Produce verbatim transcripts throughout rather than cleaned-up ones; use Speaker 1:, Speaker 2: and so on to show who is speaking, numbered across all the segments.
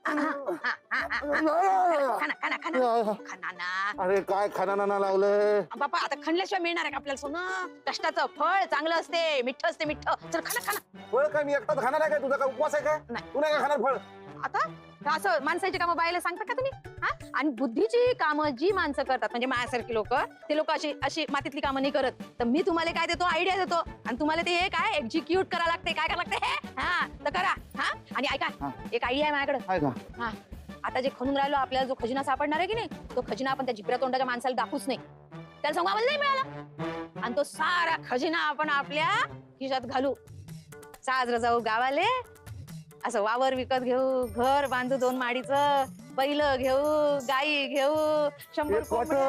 Speaker 1: खाना खाना खाना ना.
Speaker 2: अरे काय खाना लावलंय
Speaker 1: बापा आता खणल्याशिवाय मिळणार आहे का आपल्याला सोनं? कष्टाचं फळ चांगलं असते, मिठ्ठ असते, मिठ्ठ. चल खाना खाना.
Speaker 2: फळ काय मी एकटाच खाणार आहे काय? तुझा काय उपवास आहे काय?
Speaker 1: नाही.
Speaker 2: तू नाही काय खाणार फळ?
Speaker 1: आता का असं माणसाची कामं बायला सांगता का तुम्ही? हा आणि बुद्धीची कामं जी माणसं करतात म्हणजे माझ्यासारखी लोक, ते लोक अशी अशी मातीतली कामं नाही करत. तर मी तुम्हाला काय देतो, आयडिया देतो आणि तुम्हाला ते हे काय एक्झिक्यूट करा लागते. काय करा लागते हे? हा तर करा. हा आणि ऐका, एक आयडिया आहे माझ्याकडे.
Speaker 2: आहे का?
Speaker 1: हा आता जे खणून राहिलो आपल्याला जो खजिना सापडणार आहे की नाही, तो खजिना आपण त्या जिकऱ्या तोंडाच्या माणसाला दाखवूच नाही. त्याला सांगू आम्हाला नाही मिळाला आणि तो सारा खजिना आपण आपल्या खिशात घालू. साजरं जाऊ गावाले, असं वावर विकत घेऊ, घर बांधू दोन माडीचं, बैल घेऊ, गाई घेऊ, शंभर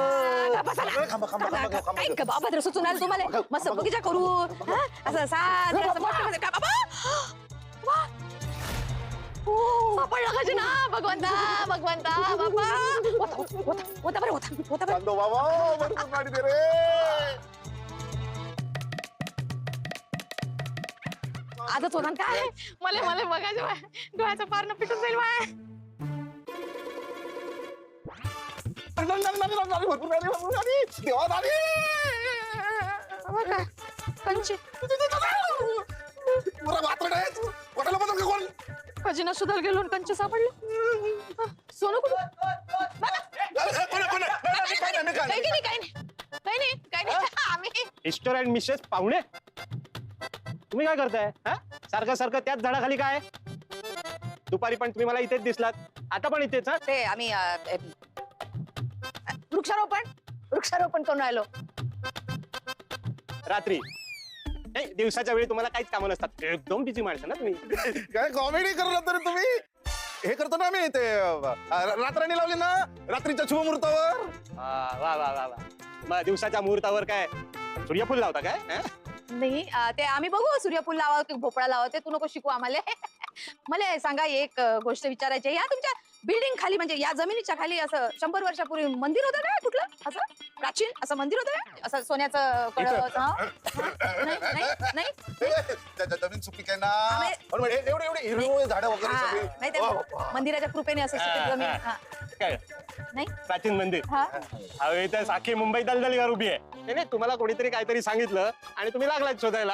Speaker 1: बाबा सुचून आलं तुम्हाला. मस्त बगीचा करू. असं साधं असं मोठं का बाबा सापडला खजिना. भगवंता भगवंता बाबा होता बरं होता होता बरं.
Speaker 2: बाबा भरपूर गाडी दे रे.
Speaker 1: आजच होणार काय? मला मला बघायचं डोळ्याचं पारणं पिटून जाईल बाय.
Speaker 2: भरपूर गाडी भरपूर गाडी देवा दादी.
Speaker 1: कंची
Speaker 2: पुरा वात्रट आहे तू. पोटाला बदल का कोण?
Speaker 1: खजिना सुधार गेलो कंची सापडले. सोनं कुठं? काही नाही काही नाही काही नाही काही नाही. आम्ही
Speaker 3: मिस्टर अँड मिसेस पाहुणे, तुम्ही काय करताय? हा सारखं सारखं त्याच झाडाखाली काय? दुपारी पण तुम्ही मला इथेच दिसलात, आता पण इथेच. हा
Speaker 1: ते आम्ही वृक्षारोपण वृक्षारोपण करून राहिलो.
Speaker 3: रात्री नाही, दिवसाच्या वेळी तुम्हाला काहीच कामं नसतात. एकदम बिझी माणसं ना तुम्ही.
Speaker 2: काय कॉमेडी करत तरी तुम्ही? हे करतो ना आम्ही ते रात्राणी लावली ना रात्रीच्या शुभमुहूर्तावर.
Speaker 3: वा वा वा वा. मग दिवसाच्या मुहूर्तावर काय सूर्यफूल लावता काय? हा?
Speaker 1: नाही ते आम्ही बघू सूर्यफूल लावा की भोपळा लावा, ते तू नको शिकू आम्हाला. मला सांगा एक गोष्ट विचारायची आहे. या तुमच्या बिल्डिंग खाली म्हणजे या जमिनीच्या खाली असं शंभर वर्षापूर्वी मंदिर होतं का कुठलं असं प्राचीन असं मंदिर होतं का? असं सोन्याचं कळस? नाही नाही
Speaker 2: जमीन सुपीक आहे ना, एवढे एवढे हिरवे झाडं वगैरे सगळी.
Speaker 1: नाही त्या मंदिराच्या कृपेने असं सुपीक जमीन.
Speaker 3: काय
Speaker 1: नाही
Speaker 3: प्राचीन मंदिर? हवे तर साखी मुंबई दलदलीवर उभी आहे. नाही नाही, तुम्हाला कोणीतरी काहीतरी सांगितलं आणि तुम्ही लागलात शोधायला.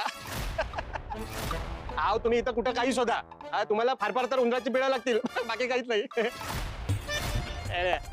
Speaker 3: आव तुम्ही इथं कुठं काही शोधा, तुम्हाला फार फार तर उंदराची पिळा लागतील, बाकी काहीच नाही.